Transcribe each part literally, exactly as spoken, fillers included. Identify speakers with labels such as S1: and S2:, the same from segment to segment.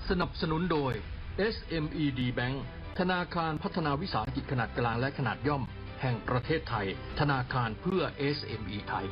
S1: สนับสนุนโดย เอส เอ็ม อี ดี Bank ธนาคารพัฒนาวิสาหกิจขนาดกลางและขนาดย่อมแห่งประเทศไทยธนาคารเพื่อ เอส เอ็ม อี ไทย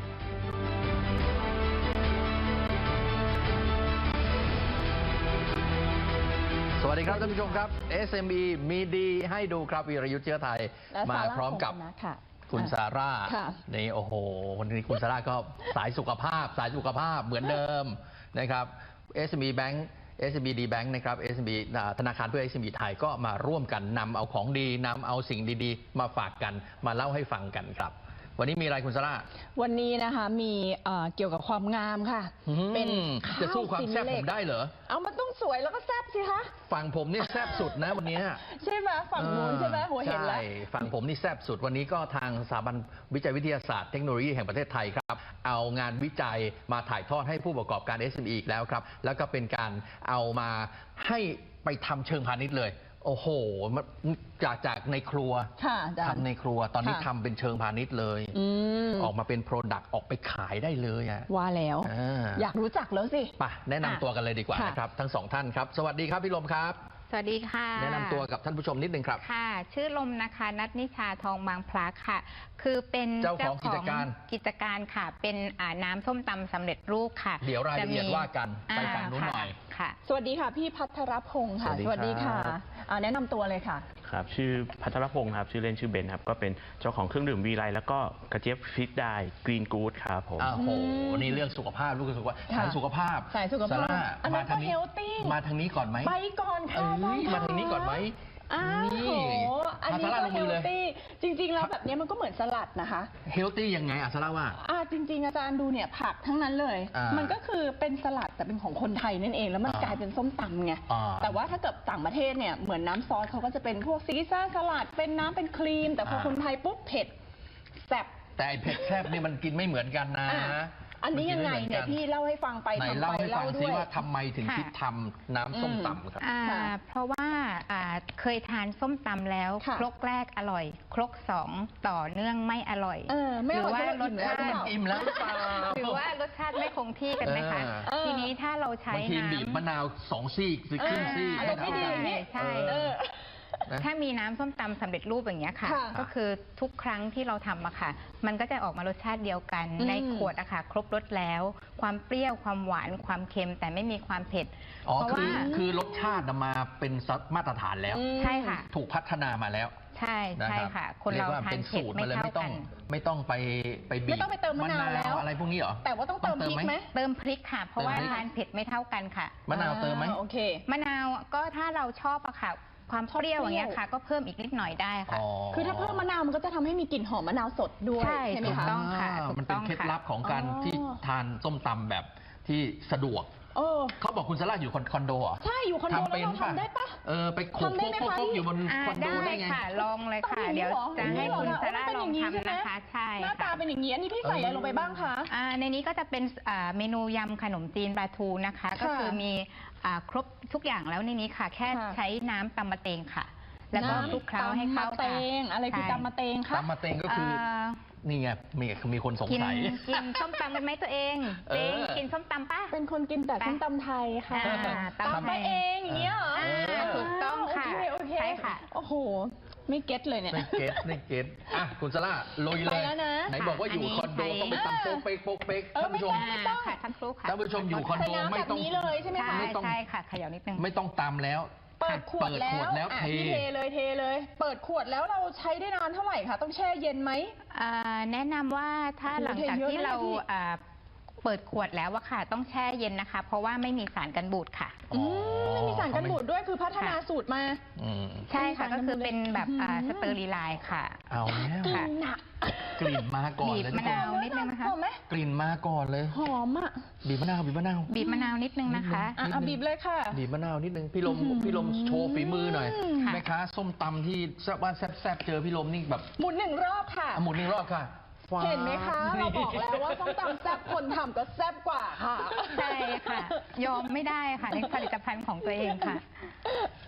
S2: สวัสดีครับท่านผู้ชมครับ เอส เอ็ม อี มีดีให้ดูครับวีรยุทธ์เชื้อไทยมาพร้อมกับคุณซาร่านี่โอ้โหวันนี้คุณซาร่าก็สายสุขภาพสายสุขภาพเหมือนเดิมนะครับ เอส เอ็ม อี Bank เอส เอ็ม อี ดี Bank นะครับ เอส เอ็ม อี ธนาคารเพื่อ เอส เอ็ม อี ไทยก็มาร่วมกันนำเอาของดีนำเอาสิ่งดีๆมาฝากกันมาเล่าให้ฟังกันครับวันนี้มีอะไรคุณซาร่า
S3: วันนี้นะคะมีเกี่ยวกับความงามค่ะ
S2: เป็นจะสู้ความแซ่บผมได้เหรอ
S3: เอามันต้องสวยแล้วก็แซ่บสิคะ
S2: ฝั่งผมนี่แซ่บสุดนะวันนี้
S3: ใช่ไหมฝั่งนู้นใช่ไหมหัวเห็นแล้ว
S2: ฝั่งผมนี่แซ่บสุดวันนี้ก็ทางสถาบันวิจัยวิทยาศาสตร์เทคโนโลยีแห่งประเทศไทยครับเอางานวิจัยมาถ่ายทอดให้ผู้ประกอบการ เอส เอ็ม อี อีกแล้วครับแล้วก็เป็นการเอามาให้ไปทำเชิงพาณิชย์เลยโอ้โหจากจากในครัวทำในครัวตอนนี้ทำเป็นเชิงพาณิชย์เลยออกมาเป็นโปรดักต์ออกไปขายได้เลยอะ
S3: ว่าแล้วอยากรู้จักแล้วสิ
S2: ไปแนะนำตัวกันเลยดีกว่านะครับทั้งสองท่านครับสวัสดีครับพี่ลมครับ
S4: สวัสดีค่ะ
S2: แนะนำตัวกับท่านผู้ชมนิดนึงครับ
S4: ค่ะชื่อลมนะคะนัทนิชาทองบางพลักค่ะคือเป็น
S2: เจ้าของกิจการ
S4: กิจการค่ะเป็นน้ำส้มตำสำเร็จรูปค่ะ
S2: เดี๋ยวรายละเอียดว่ากันไปฝั่งนู้นหน่อย
S4: ค่ะ
S3: สวัสดีค่ะพี่พัทรพงศ์ค่ะสวัสดีค่ะแนะนำตัวเลยค่ะ
S5: ครับชื่อพัทรพงศ์ครับชื่อเล่นชื่อเบนครับก็เป็นเจ้าของเครื่องดื่มวีไลแล้วก็กระเจี๊ยบฟิตได้กรีนกู๊ดครับผม
S2: โอ้โหนี่เรื่องสุขภาพลูกสุขภาพสายสุขภาพ
S3: สายสุขภาพ
S2: มาทางนี้มาทางนี้ก่อนไหม
S3: ไปก่อนค่ะ
S2: มาทางนี้ก่อนไหม
S3: อ้าวโหอันนี้ก็เฮลตี้จริงๆแล้วแบบนี้มันก็เหมือนสลัดนะคะ
S2: เฮลตี้ยังไงอ่ะซาร่าว่า
S3: อ่าจริงๆอาจารย์ดูเนี่ยผักทั้งนั้นเลยมันก็คือเป็นสลัดแต่เป็นของคนไทยนั่นเองแล้วมันกลายเป็นส้มตำไงแต่ว่าถ้าเกิดต่างประเทศเนี่ยเหมือนน้ำซอสเขาก็จะเป็นพวกซีซ่าสลัดเป็นน้ำเป็นครีมแต่พอคนไทยปุ๊บเผ็ดแซ่บ
S2: แต่เผ็ดแซ่บนี่มันกินไม่เหมือนกันนะ
S3: อันนี้ยังไงเนี่ยพี่เล่าให้ฟังไป
S2: ทำไปเล่าด้วยว่าทำไมถึงคิดทำน้ำส้มตำครับ
S4: เพราะว่าเคยทานส้มตำแล้วครกแรกอร่อยครกสองต่อเนื่องไม่อร่อย
S3: หรือ
S4: ว่ารสชาติ
S2: อิ่มแล้วหรือเปล่า
S4: หรือว่ารสชาติไม่คงที่กันไหมคะทีนี้ถ้าเราใช้
S2: น้ำบีบมะนาวสองซี่หรือครึ่งซี่
S3: ให้เท่ากัน
S4: ใช่ถ้ามีน้ำส้มตำสำเร็จรูปอย่างเงี้ยค่ะก็คือทุกครั้งที่เราทำอะค่ะมันก็จะออกมารสชาติเดียวกันในขวดอะค่ะครบรสแล้วความเปรี้ยวความหวานความเค็มแต่ไม่มีความเผ็ด
S2: อ๋อคือคือรสชาติมาเป็นมาตรฐานแล้ว
S4: ใช่ค่ะ
S2: ถูกพัฒนามาแล้ว
S4: ใช่ใช่ค่ะคนเราทานเผ็ดไม่เท่ากัน
S2: ไม่ต้องไปไปบีบ
S3: ไม่ต้องไปเติมมะนาวแล้ว
S2: อะไรพวกนี้เหรอ
S3: แต่ว่าต้องเติมพริกไหม
S4: เติมพริกค่ะเพราะว่าทานเผ็ดไม่เท่ากันค่ะ
S2: มะนาวเติมไหม
S3: โอเค
S4: มะนาวก็ถ้าเราชอบอะค่ะความเปรี้ยวอย่างเงี้ยค่ะก็เพิ่มอีกนิดหน่อยได้ค่ะ
S3: คือถ้าเพิ่มมะนาวมันก็จะทำให้มีกลิ่นหอมมะนาวสดด้วยใช่ไหมคะ
S4: ต้องค่ะ
S2: มันเป็นเคล็ดลับของการที่ทานส้มตำแบบที่สะดวกเขาบอกคุณซาร่าอยู่คอนโดอ่ะ
S3: ใช่อยู่คอนโดแล้วเราทำได้ปะ
S2: เออไปโขกโขกอยู่บนคอนโดได้ไง
S4: ค่ะลองเลยค่ะเดี๋ยวจะให้คุณซาร่าลองทำนะคะใช่
S3: หน้าตาเป็นอย่างนี้อันนี้พี่ใส่อะไรลงไปบ้างคะ
S4: ในนี้ก็จะเป็นเมนูยำขนมจีนปลาทูนะคะก็คือมีครบทุกอย่างแล้วในนี้ค่ะแค่ใช้น้ำตำมะเตงค่ะแล้วก็คลุกเคล้าให้เข้า
S3: กันตำมะเตงอะไรคือตำมะเตงคะ
S2: ตำมะเตงก็คือนี่ไงมีมีคนสงสัย
S4: กินส้มตำเป็นไหมตัวเองเองกินส้มตำป่ะ
S3: เป็นคนกินแต่ส้มตำไทยค่ะตำไปเองอย่างเงี้ย
S4: ถูกต้องค่ะใช่ค่ะ
S3: โอ้โหไม่เก็ตเลยเนี่ย
S2: ไม่เก็ตไม่เก็ตอ่ะคุณซาร่าลุยเลยไหนบอกว่าอยู่คอนโดต้องไปตำโป๊กเป๊กโป๊กเป๊กท่านผู้ชม
S4: ค่ะท่านครูค่ะ
S2: ท่านผู้ชมอยู่คอนโดไม่ต้อง
S3: เลยใช่ไหมคะ
S4: ใช่ค่ะเขย่านิดนึง
S2: ไม่ต้องตำแล้ว
S3: เปิดขวดแล้วเทเลยเทเลยเปิดขวดแล้วเราใช้ได้นานเท่าไหร่คะต้องแช่เย็นไหม
S4: แนะนำว่าถ้าหลังจากที่เราเปิดขวดแล้วอะค่ะต้องแช่เย็นนะคะเพราะว่าไม่มีสารกันบูดค่ะ
S3: ไม่มีสารกันบูดด้วยคือพัฒนาสูตรมา
S4: ใช่ค่ะก็คือเป็นแบบสเตอริไลน์ค่ะ
S2: เอาแล้ว
S3: ค่ะ
S2: กลิ่นมาก่อนเลย
S4: บีบมะนาวนิดนึงนะคะ
S2: กลิ่นมาก่อนเลย
S3: หอมอ่ะ
S2: บีบมะนาวบีบมะนาว
S4: บีบมะนาวนิดนึงนะคะ
S3: อ่ะบีบเลยค่ะ
S2: บีบมะนาวนิดนึงพี่ลมพี่ลมโชว์ฝีมือหน่อยแม่ค้าส้มตำที่แซ่บว่าแซ่บเจอพี่ลมนี่แบบ
S3: หมุนหนึ่งรอบค่ะ
S2: หมุนหนึ่งรอบค่ะ
S3: เห็นไหมคะเราบอกแล้วว่าส้มตำแซ่บคนทำก็แซ่บกว่าค่ะ
S4: ใช่ค่ะยอมไม่ได้ค่ะในผลิตภัณฑ์ของตัวเองค่ะค่ะ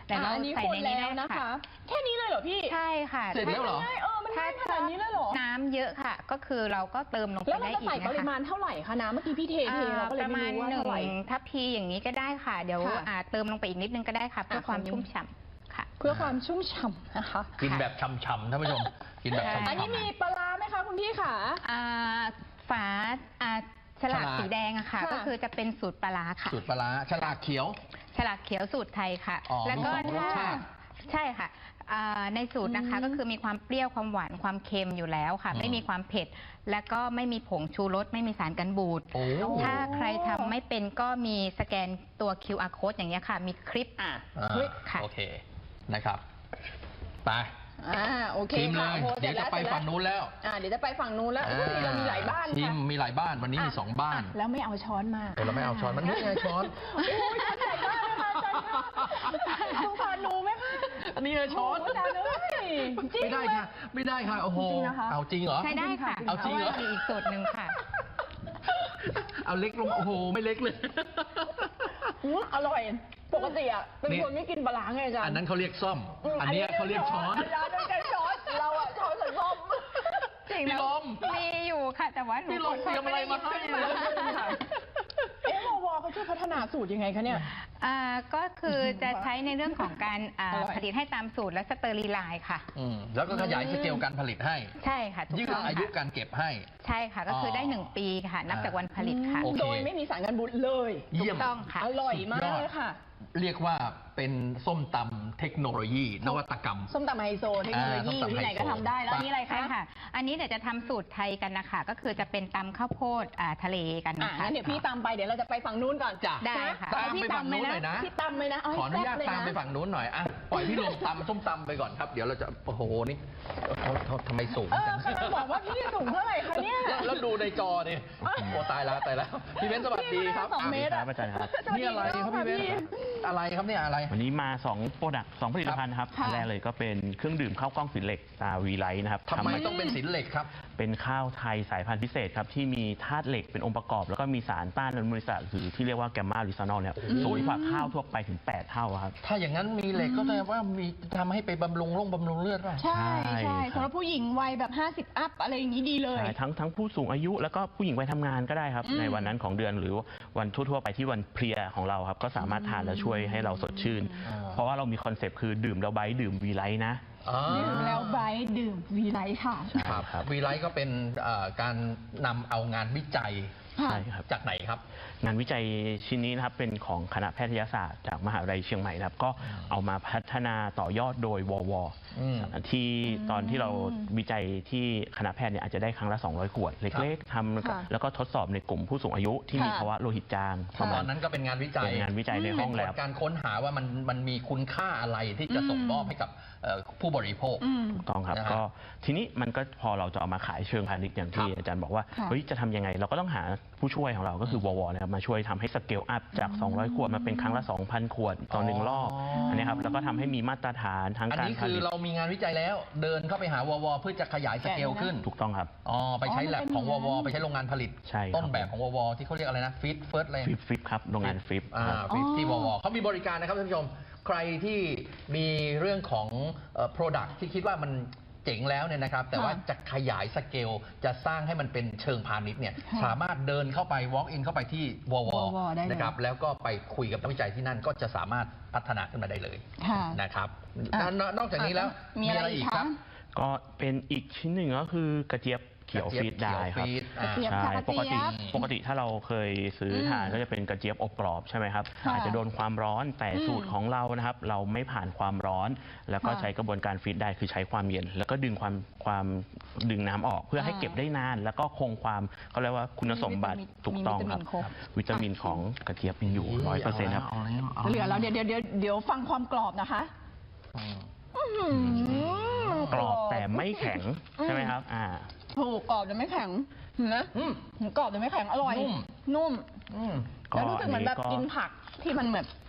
S4: แต่เรา
S3: อันนี้
S4: ใส่
S3: คน
S4: ในนี้
S3: แล้ว
S4: ได้
S3: นะคะ
S4: ค่ะ
S3: แค่นี้เลยเหรอพี่
S4: ใช่ค่ะ
S2: เสร็จแล้วเหรอ
S3: ง่ายๆเออมันง่ายขนาดนี้เลยเหรอ
S4: น้ำเยอะค่ะ ก็คือเราก็เติมลงไป
S3: แล้วเรา
S4: ได้
S3: จะ
S4: อีก
S3: ใส่
S4: นะ
S3: ปริ
S4: คะ
S3: มาณเท่าไหร่คะน้ำเมื่อกี้พี่เทเทเราก็เลย
S4: ประ
S3: ไม่
S4: มาณ
S3: รู้ว่า
S4: หนึ่ง
S3: เท่าไหร่
S4: ทัพพีอย่างนี้ก็ได้ค่ะ เดี๋ยว
S3: ค่ะ
S4: อ่าเติมลงไปอีกนิดนึงก็ได้ค่ะเพื่อ
S3: อ่ะ
S4: ความ
S3: ขอนิด
S4: ชุ่มฉ่ำค่ะ
S3: เพื่อความชุ่มฉ่ำนะคะ
S2: กินแบบช่ำๆท่านผู้ชม กินแบบ
S4: ใช่
S2: ช่ำๆ
S3: อันนี้มีปลาร้าไหมคะคุณพี่ขา
S4: อ่าฝาอ่าฉลาก
S2: ฉลาก
S4: สีแดงอะค่ะ
S3: ค่ะ
S4: ก็คือจะเป็นสูตรปลาร้าค่ะ
S2: สูตรปลาร้าฉลากเขียว
S4: ฉลากเขียวสูตรไทยค่ะ
S2: อ๋อ
S4: แล้วก็
S2: มีสองรสชาติ
S4: ใช่ค่ะอ่าในสูตรนะคะ
S3: อืม
S4: ก็คือมีความเปรี้ยวความหวานความเค็มอยู่แล้วค่ะ
S2: อืม
S4: ไม่มีความเผ็ด แล้วก็ไม่มีผงชูรสไม่มีสารกันบูด
S2: โอ้
S4: ถ้าใครทำไม่เป็นก็มีสแกนตัว คิว อาร์ code อย่างเงี้ยค่ะ มีคลิป
S3: อ่ะ
S2: อ่า
S3: เฮ้ย
S4: ค่ะ
S2: โอเคนะครับไป
S3: อ่าโอเค
S2: ชิมเล
S3: ค่ะ
S2: ย
S3: โอ้
S2: เดี๋ยวจะไป
S3: สร็
S2: ฝั่งนู้นแล้ว
S3: อ่าเดี๋ยวจะไปฝั่งนู้นแล้วอุ้ยเรามีหลายบ้าน
S2: ชิม
S3: ค่ะ
S2: มีหลายบ้านวันนี้มีสองบ้าน
S3: อ่ะแล้วไม่เอาช้อนมา
S2: เออเราไม่เอาช้อนมันนี่ไงช้อน
S3: โอ้ยช้อนใหญ่มากเลยค่ะอาจารย์ค่ะสงสารหนูไหมคะ
S2: อันนี้ไงช้อน
S3: โอาจารย์เอ้ยจริง
S2: ไม่ได้
S3: เลย
S2: ค่ะ ไม่ได้ค่ะโอ้โห
S3: จริงนะคะ
S2: เอาจริงเหรอ
S4: ใช้ได้ค่ะ
S2: เอาจริงเหรอ
S4: พาะว่ามีอีกสูตรหนึ่งค่ะ
S2: เอาเล็กลงมาโอ้โหไม่เล็กเลย
S3: อืมอร่อย ปกติอ่ะเป็น
S2: นี่
S3: คนไม่กินปลาร้าไงอาจารย์
S2: อันนั้นเขาเรียกซ่อม
S3: ม
S2: อันเนี้ยเขาเรียกช้อน
S3: อาจารย์ต้องใช้ช้อนเราอ่ะช้อนใส่ส้ม
S4: จริง
S2: พี่
S4: แล้ว
S2: ลม
S4: มีอยู่ค่ะ แต่ว่าหนู
S2: พี่ลมเตรียมอะไรมาให้
S3: ไม่ได้หยิบขึ้นมา เอ๊ะวอวเขาช่วยพัฒนาสูตรยังไงคะเนี่ย
S4: อ่าก็คือจะใช้ในเรื่องของการอ่า
S3: อร่อย
S4: ผลิตให้ตามสูตรและสเตอร์ลีไลน์ค่ะ
S2: อืมแล้วก็ขยายสเกลการผลิตให้
S4: ใช่ค่ะถูก
S2: ยืด
S4: ต้อง
S2: อายุ
S4: ค่ะ
S2: การเก็บให้
S4: ใช่ค่ะ ก็คือได้
S2: อ๋อ
S4: หนึ่งปีค่ะ นับจากวันผลิตค่ะ
S2: โอเค
S3: โดยไม่มีสารกันบูดเลย
S2: เยี่ยม
S4: ถูกต้องค่ะ
S3: อร่อยมากเลยค่ะ
S2: เรียกว่าเป็นส้มตำเทคโนโลยี นวัตกรรม
S3: ส้มตำไฮโซเทคโนโลยีอยู่ที่ไหนก็ทำได้แล้วอันนี่อะไรคะ
S4: ใช่ค่ะ อันนี้เดี๋ยวจะทำสูตรไทยกันนะคะ ก็คือจะเป็นตำข้าวโพดอ่าทะเลกัน
S3: อ่ะ
S4: นะคะ
S3: งั้นเดี๋ยวพี่ตำไปเดี๋ยวเราจะไปฝั่งนู้นก่อน
S2: จ้ะ
S4: ได้ค่ะ
S3: แต่พี่
S2: ตามไปฝั่งนู้นหน่อยนะ
S3: พี่ตำไหมนะเให้
S2: ขออนุญาต
S3: แซ่บเลย
S2: ตามไปฝั่งนู้นหน่อยอ่ะปล่อยพี่ลงตำส้มตำไปก่อนครับ เดี๋ยวเราจะโอ้โหนี่เขาเขาทำไมสูง
S3: เออ
S2: จัง
S3: กำลังบอกว่าพี่สูงเท่าไหร่คะเนี่ย
S2: แล้วแล้วดูในจอเนี่ยโอ้ตายแล้วตายแล้วพี่เบนซ์สวัสดีครับ
S3: พี่ก็น่าสองเมตร
S5: ครับอาจารย์ครับ
S2: นี่อะไรครับพี่เบนซ์อะไรครับเนี่ยอะไร
S5: วันนี้มา2โปรดักต์สองผลิตภัณฑ์นะครับ
S3: ค่ะ
S5: อันแรกเลยก็เป็นเครื่องดื่มข้าวกล้องสีเหล็กตาวีไลท์นะครับ
S2: ทำไม
S5: า
S2: ต้องเป็นสินเหล็กครับ
S5: เป็นข้าวไทยสายพันธุ์พิเศษครับ ที่มีธาตุเหล็กเป็นองค์ประกอบ แล้วก็มีสารต้านอนุมูลอิสระหรือที่เรียกว่าแกมมาลิซานอลเนี่ยสูงกว่าข้าวทั่วไปถึง แปด เท่าครับ
S2: ถ้าอย่างนั้นมีเหล็กก็แสดงว่ามีทำให้ไปบำรุงร่งบำรุงเลือดป่ะ
S3: ใช่
S5: ใช่
S3: ใช่
S5: ครับ
S3: สำหรับผู้หญิงวัยแบบ ห้าสิบ อัพอะไรอย่างนี้ดีเลย
S5: ใช่ทั้งทั้งผู้สูงอายุแล้วก็ผู้หญิงวัยทำงานก็ได้ครับ
S3: อืม
S5: ในวันนั้นของเดือนหรือวันทั่วๆไปที่วันเพลียของเราครับ ก็สามารถทานแล้วช่วยให้เราสดชื่น
S2: อ่า
S5: เพราะว่าเรามีคอนเซปต์คือดื่มแล้วไบท์ดื่มวีไลท์นะ
S2: อ่า
S3: ดื่มแล้วไบรท์ดื่มวีไลท์ค่ะ
S2: ครับครับวีไลท์ก็เป็นเอ่อการนำเอางานวิจัย
S3: ค่ะ
S5: ใช่ครับ
S2: จากไหนครับ
S5: งานวิจัยชิ้นนี้นะครับเป็นของคณะแพทยศาสตร์จากมหาวิทยาลัยเชียงใหม่นะครับ ก็เอามาพัฒนาต่อยอดโดยวว
S2: อืม
S5: ที่ตอนที่เราวิจัยที่คณะแพทย์เนี่ยอาจจะได้ครั้งละ สองร้อย ขวด เล็กๆทำ
S3: ค่ะ
S5: แล้วก็ทดสอบในกลุ่มผู้สูงอายุที่มี
S3: ค่ะ
S5: ภาวะโลหิตจางประ
S2: ต
S5: มา
S2: อ
S5: ณ
S2: นนั้นก็เป็นงานวิจัย
S5: เป็นงานวิจัยในห้อง
S2: เป็น
S5: แล
S2: ผ
S5: บ
S2: ลการค้นหาว่ามันมันมีคุณค่าอะไรที่จะส่งมอบให้กับเอ่อผู้บริโภค
S3: อืม
S5: ถูกต้องครับ
S2: นะฮะ
S5: ก็ทีนี้มันก็พอเราจะเอามาขายเชิงพาณิชย์อย่างที่
S2: ครับ
S5: อาจารย์บอกว่า
S3: ค่ะ
S5: เฮ้ยจะทำยังไง เราก็ต้องหาผู้ช่วยของเราก็คือววนะครับมาช่วยทำให้สเกลอัพจาก สองร้อย ขวดมาเป็นครั้งละ สองพัน ขวดต่อหนึ่งรอบ
S2: อ๋ออั
S5: อันนี้ครับแล้วก็ทำให้มีมาตรฐานทาง
S2: อัน
S5: การ
S2: นี้
S5: ผ
S2: คือ
S5: ลิต
S2: เรามีงานวิจัยแล้ว เดินเข้าไปหาววเพื่อจะขยายสเกลขึ้น
S5: ถูกต้องครับ
S2: อ๋อไปใช้
S3: อ๋อมัน
S2: แลบ
S3: เป็น
S2: ของ
S3: อ
S2: ว
S3: ย่างนั้น
S2: วไปใช้โรงงานผลิต
S5: ใช่ครับ
S2: ต้นแบบของววที่เขาเรียกอะไรนะฟิตเฟิร์สอะไร
S5: ฟลิปฟลิปครับโรงงานฟลิป
S2: อ่า
S5: ครับ
S2: ฟิตที่ววเขามีบริการนะครับท่านผู้ชม ใครที่มีเรื่องของเอ่อ product ที่คิดว่ามันเจ๋งแล้วเนี่ยนะครับ แต่ว่า
S3: ค่ะ
S2: จะขยายสเกลจะสร้างให้มันเป็นเชิงพาณิชย์เนี่ย
S3: ค่ะ
S2: สามารถเดินเข้าไป walk in เข้าไปที่วว
S3: ววได้เลย
S2: นะครับแล้วก็ไปคุยกับนักวิจัยที่นั่นก็จะสามารถพัฒนาขึ้นมาได้เลย
S3: ค่ะ
S2: นะครับ
S3: อ่ะ
S2: นนอกจากนี้แล้ว
S3: มีอะไรอีก
S2: ค
S3: คะ
S2: รับ
S5: ก็เป็นอีกชิ้นหนึ่งก็คือกระเจี๊ยบเขียว
S2: กระเจี๊
S5: ฟี
S2: ยบ
S5: ดได้ครับ
S2: เขียวฟีดอ่า
S3: กระเจี๊ยบ
S5: ใช่
S3: ค่ะ
S5: ปกติ
S3: กระเจี๊ยบ
S5: ปกติถ้าเราเคยซื้ออ
S3: ม
S5: ทานก็จะเป็นกระเจี๊ยบอบกรอบใช่ไหมครับ
S3: ค่ะ
S5: อาจจะโดนความร้อนแต่
S3: อืม
S5: สูตรของเรานะครับ เราไม่ผ่านความร้อน แล้วก็
S3: ค่ะ
S5: ใช้กระบวนการฟีดได้คือใช้ความเย็น แล้วก็ดึงความความดึงน้ำออก เพื่อให้
S3: อ่า
S5: เก็บได้นาน แล้วก็คงความเขาเรียกว่าคุณสมบัติ
S3: มีวิตามิน
S5: ถูกต้องครับ
S3: มีวิตามินครบ
S5: วิตามินของกระเจี๊ยบยังอยู่ร้อยเปอร์เซ็นต์ครับ
S2: าแล้วา
S3: เหลือแล้วเดี๋ยวเดี๋ยวเดี๋ยวเดี๋ยวฟังความกรอบนะคะ
S2: อืม
S3: อื้อหือก
S5: รอบแต่ไม่แข็งใช่ไหมครับอ่า
S3: ถูกกรอบแต่ไม่แข็งเห็นไหม
S2: อืม
S3: กรอบแต่ไม่แข็งอร่อย
S2: นุ่ม
S3: นุ่ม
S2: อืม
S3: แล้วรู้สึกเหมือนแบบ
S5: ก็
S3: กินผักที่มันแบบ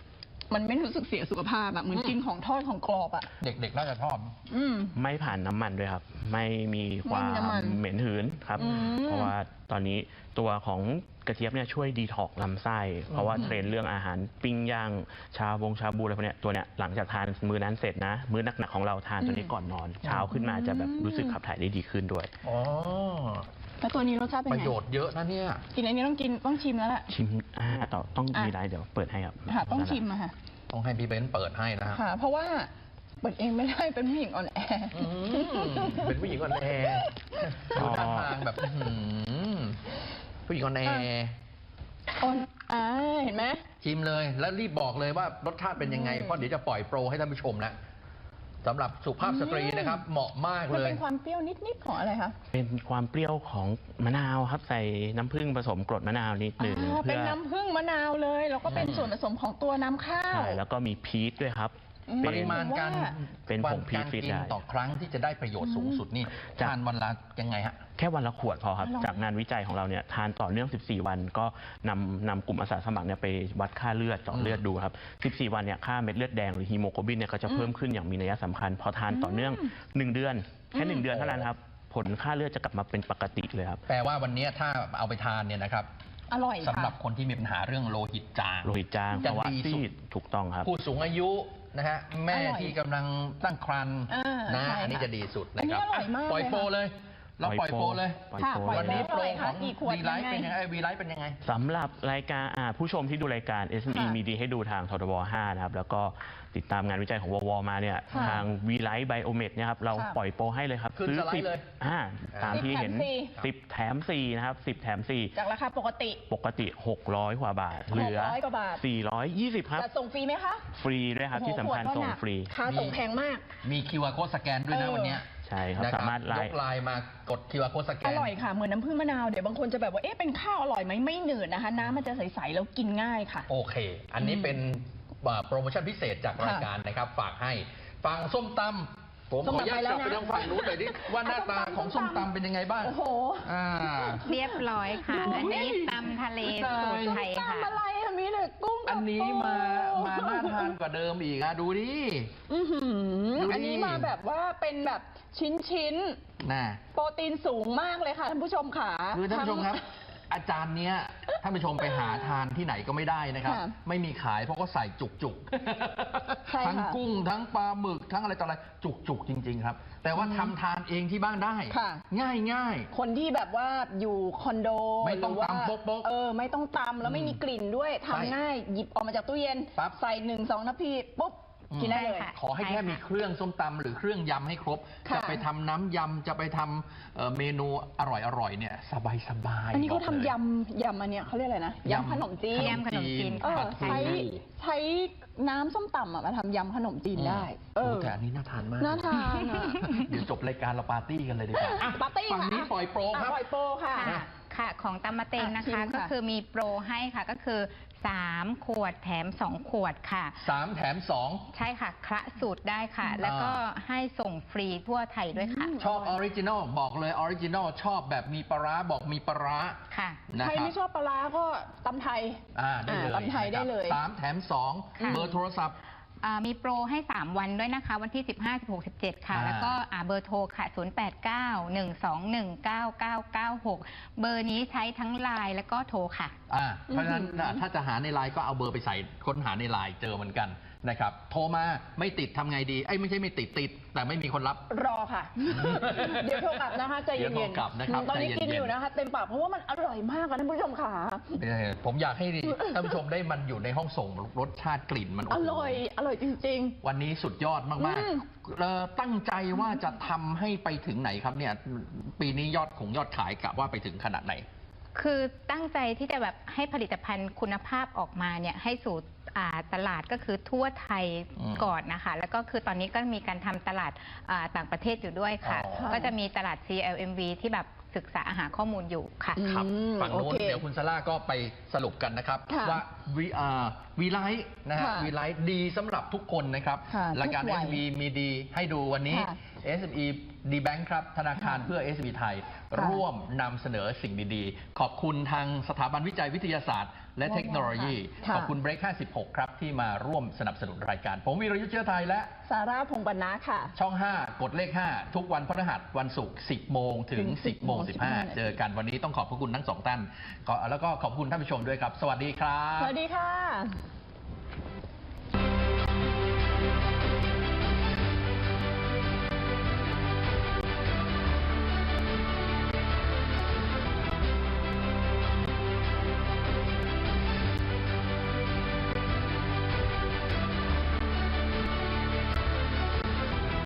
S3: มันไม่รู้สึกเสียสุขภาพอะเหมือนกินของทอดของกรอบอะ
S2: เด็กๆน่าจะชอบ
S3: อืม
S5: ไม่ผ่านน้ำมันด้วยครับ ไม่มีความ
S3: ไม่มีน้ำมัน
S5: เหม็นหืนครับ
S3: อืม
S5: เพราะว่าตอนนี้ตัวของกระเจี๊ยบเนี่ยช่วยดีท็อกซ์ลำไส้ เพราะว่าเทรนด์เรื่องอาหารปิ้งย่างชาบงชาบูอะไรพวกเนี้ยตัวเนี้ยหลังจากทานมื้อนั้นเสร็จนะ มื้อหนักๆของเราทานตัวนี้ก่อนนอน เช้าขึ้นมาจะแบบรู้สึกขับถ่ายได้ดีขึ้นด้วย
S2: อ๋อ
S3: แล้วตัวนี้รสชาติเป็น
S2: ประ
S3: ไง
S2: โยชน์เยอะนะเนี่ย
S3: กินอันนี้ต้องกินต้องชิมแล้วแหละ
S5: ชิมอ่าต่อต้อง
S3: อ่ะ
S5: มีอะไรเดี๋ยวเปิดให้ครับ
S3: ค่ะต้องชิมอะค่ะ
S2: ต้องให้พี่เบนซ์เปิดให้นะฮะ
S3: ค่ะ เพราะว่าเปิดเองไม่ได้เป็นผู้หญิงอ่อนแอ
S2: อืมเป็นผู้หญิงอ่อนแอดูท่าทางแบบอื้อหือผู้หญิงอ่อนแอ
S3: อ่อนอ่าเห็นไหม
S2: ชิมเลยแล้วรีบบอกเลยว่ารสชาติเป็นยังไง เพราะเดี๋ยวจะปล่อยโปรให้ท่านผู้ชมแล้วสำหรับสุภาพสตรีนะครับ เหมาะมาก
S3: มัน
S2: เลย
S3: เป็นความเปรี้ยวนิดๆของอะไรคะ
S5: เป็นความเปรี้ยวของมะนาวครับใส่น้ำผึ้งผสมกรดมะนาวนิดหนึ่ง
S3: อ่าเป็น
S5: เพื่อ
S3: น้ำผึ้งมะนาวเลยแล้วก็เป็น
S2: อืม
S3: ส่วนผสมของตัวน้ำข้าว
S5: ใช่แล้วก็มีพีชด้วยครับ
S3: อืม
S2: ปริมาณการ
S3: ว่า
S5: เป็นผงพีช
S2: การ
S5: ฟีด
S2: กิน
S5: ได้
S2: ต่อครั้งที่จะได้ประโยชน์สูงสุดนี่
S5: จาก
S2: ทานวันละยังไงฮะ
S5: แค่วันละขวดพอครับ
S3: อร่อย
S5: จากงานวิจัยของเราเนี่ยทานต่อเนื่อง สิบสี่ วันก็นำนำกลุ่มอาสาสมัครเนี่ยไปวัดค่าเลือดเจาะเลือดดูครับ สิบสี่ วันเนี่ยค่าเม็ดเลือดแดงหรือฮีโมโกลบินเนี่ยก็จะเพิ่มขึ้นอย่างมีนัยสำคัญ พอทานต่อเนื่อง หนึ่ง เดือน แค่ หนึ่ง เดือนเท่านั้นครับ ผลค่าเลือดจะกลับมาเป็นปกติเลยครับ
S2: แปลว่าวันนี้ถ้าเอาไปทานเนี่ยนะครับ
S3: อร่อย
S2: สำหรับ
S3: ค่ะ
S2: คนที่มีปัญหาเรื่องโลหิตจาง
S5: โลหิตจาง
S2: จะ
S5: ภาวะ
S2: ดีสุ
S5: ซี
S2: ด
S5: ดถูกต้องครับ
S2: ผู้สูงอายุนะฮะแม่
S3: อร่อย
S2: ที่กำลังตั้งครรภ์
S3: อ่า
S2: นะ
S3: ใช่
S2: อันนี้
S3: ค่ะ
S2: จะดีสุดนะครับ
S3: อันนี้อร่อยมาก
S2: ปล่อย
S3: เลย
S2: โปร
S3: ค่ะ
S2: เลย เราปล่อยโปรเลย
S5: ปล่อย
S3: ค่ะ
S5: โปร
S3: ปล่อย
S2: วันนี้โปร
S3: เท่าไหร่
S2: ข
S3: คะ
S2: อง
S3: กี่ขวด
S2: วีไลฟ์
S3: ยังไง
S2: เป็นยังไงวีไลฟ์เป็นยังไง
S5: สำหรับรายการอ่าผู้ชมที่ดูรายการ เอส เอ็ม อี
S3: ค่ะ
S5: มีดีให้ดูทางททบห้านะครับ แล้วก็ติดตามงานวิจัยของววมาเนี่ย
S3: ค่ะ
S5: ทางวีไลท์ไบโอเมดเนี่ยครับ เรา
S3: ค่ะ
S5: ปล่อยโปรให้เลยครับ
S2: ขึ้นสไลด์
S5: สิบ
S2: เลย
S5: อ่าตามที่เห็น
S3: สิบแถมสี่
S5: สิบแถมสี่นะครับสิบแถมสี่
S3: จากราคาปกติ
S5: ปกติ หกร้อย กว่าบาท เหลือ
S3: หกร้อยกว่าบาท
S5: สี่ร้อยยี่สิบ ครับ
S3: จะส่งฟรีไหมคะ
S5: ฟรีด้วยครับ ที่สำคัญ
S3: โอ้โห
S5: ส่ง
S3: ขวดเท่าหนัก
S5: ฟรี
S3: ค่าส่งแพงมาก
S2: มี คิว อาร์ code สแกนด้วยนะ
S3: เออ
S2: วันเนี้ย
S5: ใช่ครับ
S2: นะ
S5: สามารถไล
S2: ย
S5: น์
S2: กไลน์มากด คิว อาร์ code สแก
S3: อน ร่อยค่ะ เหมือนน้ำผึ้งมะนาว เดี๋ยวบางคนจะแบบว่า เอ๊ะ เป็นข้าวอร่อยไหมไม่หนืดนะคะ น้ำมันจะใสๆแล้วกินง่ายค่ะ
S2: โอเค อันนี้เป็นอ่าโปรโมชั่นพิเศษจากรายการนะครับ ฝากให้ฟังส้มตำผมขออนุญาตกลับไปทางฝั่งนู้นหน่อยดิว่าหน้าตาของส้มตำเป็นยังไงบ้าง
S3: โอ้โห
S2: อ่า
S4: เรียบร้อยค่ะ
S3: ดู
S4: อันนี้
S3: ดิ
S4: ตำทะเล
S2: ตาย
S4: สูตรไทยค่ะ
S3: ตำอะไรอะมีแต่กุ้งกับ
S2: อันนี้มา
S3: ปู
S2: มาน่าทานกว่าเดิมอีกอะดูดิ
S3: อื้อหือ
S2: ดูดิ
S3: อันนี้มาแบบว่าเป็นแบบชิ้น
S2: น่ะ
S3: ๆ โปรตีนสูงมากเลยค่ะท่านผู้ชมค่ะ
S2: คือท่านผู้ชมครับ อาจารย์เนี้ยท่านผู้ชมไปหาทานที่ไหนก็ไม่ได้นะครับ
S3: ค่ะ
S2: ไม่มีขายเพราะก็ใส่จุกจุกๆ
S3: ใช่ค่ะ
S2: ทั้งกุ้งทั้งปลาหมึกทั้งอะไรต่ออะไรจุกจุกๆจริง ๆ ครับ แต่ว่าทำทานเองที่บ้านได้
S3: ค่ะ
S2: ง่ายง่าย
S3: คนที่แบบว่าอยู่คอนโด
S2: ไม่ต้อง
S3: หรืว่า
S2: ตำโป๊กๆ
S3: เออ ไม่ต้องตำแล้วไม่มีกลิ่นด้วย
S2: ใช่
S3: ทำง่าย หยิบออกมาจากตู้เย็น
S2: ปั๊บ
S3: ใส่หนึ่งสองนาทีปุ๊บ
S2: อืม
S3: กินได้เลย
S4: ใช่ค่ะ
S2: ขอให้แค่มีเครื่องส้มตำหรือเครื่องยำให้ครบ
S3: ค่ะ
S2: จะไปทำน้ำยำจะไปทำเอ่อเมนูอร่อยๆเนี่ยสบายสบายๆ
S3: อันนี้เขา
S2: บก
S3: ทำ
S2: เลย
S3: ยำยำอันเนี้ยเขาเรียกอะไรนะ
S2: ยำ
S3: ยำขนมจีน
S4: ยำขนมจีน
S3: เออ
S2: ปลาทู
S3: ใช้ใช้น้ำส้มตำอะมาทำยำขนมจีนได้ เอ
S2: โอ้
S3: อ
S2: แต่อันนี้น่าทานมาก
S3: น่าทานอะ
S2: เดี๋ยวจบรายการเราปาร์ตี้กันเลยดีกว่าอ่ะ
S3: ปาร์ตี้
S2: ฝั่ง
S3: ค่ะ
S2: นี้ปล่อยโปรครับ
S3: อ่ะปล่อยโปรค่ะ
S4: ค่ะค่ะของตำมะเต็งนะ
S3: อ่ะชิ
S4: คะ
S3: มค่ะ
S4: ก็คือมีโปรให้ค่ะก็คือสามขวดแถมสองขวดค่ะ
S2: สามแถมสอง
S4: ใช่ค่ะคละสูตรได้ค่ะ แล้วก็ให้ส่งฟรีทั่วไทยด้วยค่ะ
S2: ชอบออริจินอลบอกเลยออริจินอลชอบแบบมีปลาร้าบอกมีปลาร้า
S4: ค่ะ
S2: นะ
S3: ใคร
S2: ครับ
S3: ไม่ชอบปลาร้าก็ตำไทย
S2: อ่าได้เลย
S3: อ่าตำไทยได้เลย
S2: นะครับสามแถมสอง
S4: ค่ะ
S2: เบอร์โทรศัพท์
S4: อ่ามีโปรให้ สาม วันด้วยนะคะ วันที่ สิบห้า สิบหก สิบเจ็ด ค่ะ
S2: อ่า
S4: แล้วก็อ่าเบอร์โทรค่ะ ศูนย์ แปด เก้า หนึ่ง สอง หนึ่ง เก้า เก้า เก้า หก เบอร์นี้ใช้ทั้งไลน์แล้วก็โทรค่ะ
S2: อ่าเพราะฉะนั้นน่ะถ้าจะหาในไลน์ก็เอาเบอร์ไปใส่ค้นหาในไลน์เจอเหมือนกันนะครับโทรมาไม่ติดทำไงดีไอ้ยไม่ใช่ไม่ติดติด แต่ไม่มีคนรับ
S3: รอค่ะ เดี๋ยวโทรกลับนะคะใจ
S2: เดี๋
S3: เย็
S2: ยวน โทรกลับนะครับ
S3: ตอนนี้
S2: ใจเย็นๆ
S3: กินอยู่นะคะเต็มปากเพราะว่ามันอร่อยมากค่ะท่านผู้ชมค่ะ
S2: เออผมอยากให้ท่านผู้ชมได้มันอยู่ในห้องส่งรสชาติกลิ่นมัน
S3: อ
S2: โโห
S3: ร่อย อร่อยจริง
S2: วันนี้สุดยอดมาก
S3: อืม
S2: ๆเอ่อตั้งใจว่าจะทำให้ไปถึงไหนครับเนี่ย ปีนี้ยอดของยอดขายกะว่าไปถึงขนาดไหน
S4: คือตั้งใจที่จะแบบให้ผลิตภัณฑ์คุณภาพออกมาเนี่ยให้สู่อ่าตลาดก็คือทั่วไทย
S2: อืม
S4: ก่อนนะคะ แล้วก็คือตอนนี้ก็มีการทำตลาดอ่าต่างประเทศอยู่ด้วยค่ะ
S2: อ๋อ
S4: ก็จะมีตลาด ซี แอล เอ็ม วี ที่แบบศึกษาหาข้อมูลอยู่ค่ะ
S3: อืม
S2: ครับฝั่งโน้น
S3: โอเค
S2: เดี๋ยวคุณซาร่าก็ไปสรุปกันนะครับ
S3: ค่ะ
S2: ว่าวีอ่าวีไลท์นะฮะ
S3: ค่ะ
S2: วีไลท์ดีสำหรับทุกคนนะครับ
S3: ค่ะ
S2: รายการ
S3: ทุ
S2: เอก
S3: วัย
S2: สมีมีดีให้ดูวันนี้
S3: ค่ะ
S2: เอส เอ็ม อี ดี Bank ครับธนาคารเพื่อ เอส เอ็ม อี ไทยร่วมนำเสนอสิ่งดีๆขอบคุณทางสถาบันวิจัยวิทยาศาสตร์และเทคโนโลยีขอบคุณ Break ห้าสิบหกครับที่มาร่วมสนับสนุนรายการผมวีรยุทธ์เชื้อไทยและ
S3: ซาร่าพงษ์บรรณะค่ะ
S2: ช่องห้ากดเลขห้าทุกวันพฤหัสวันศุกร์สิบโมงถึงสิบโมงสิบห้าเจอกันวันนี้ต้องขอบพระคุณทั้งสองท่านแล้วก็ขอบคุณท่านผู้ชมด้วยครับสวัสดีครับ
S3: สวัสดีค่ะ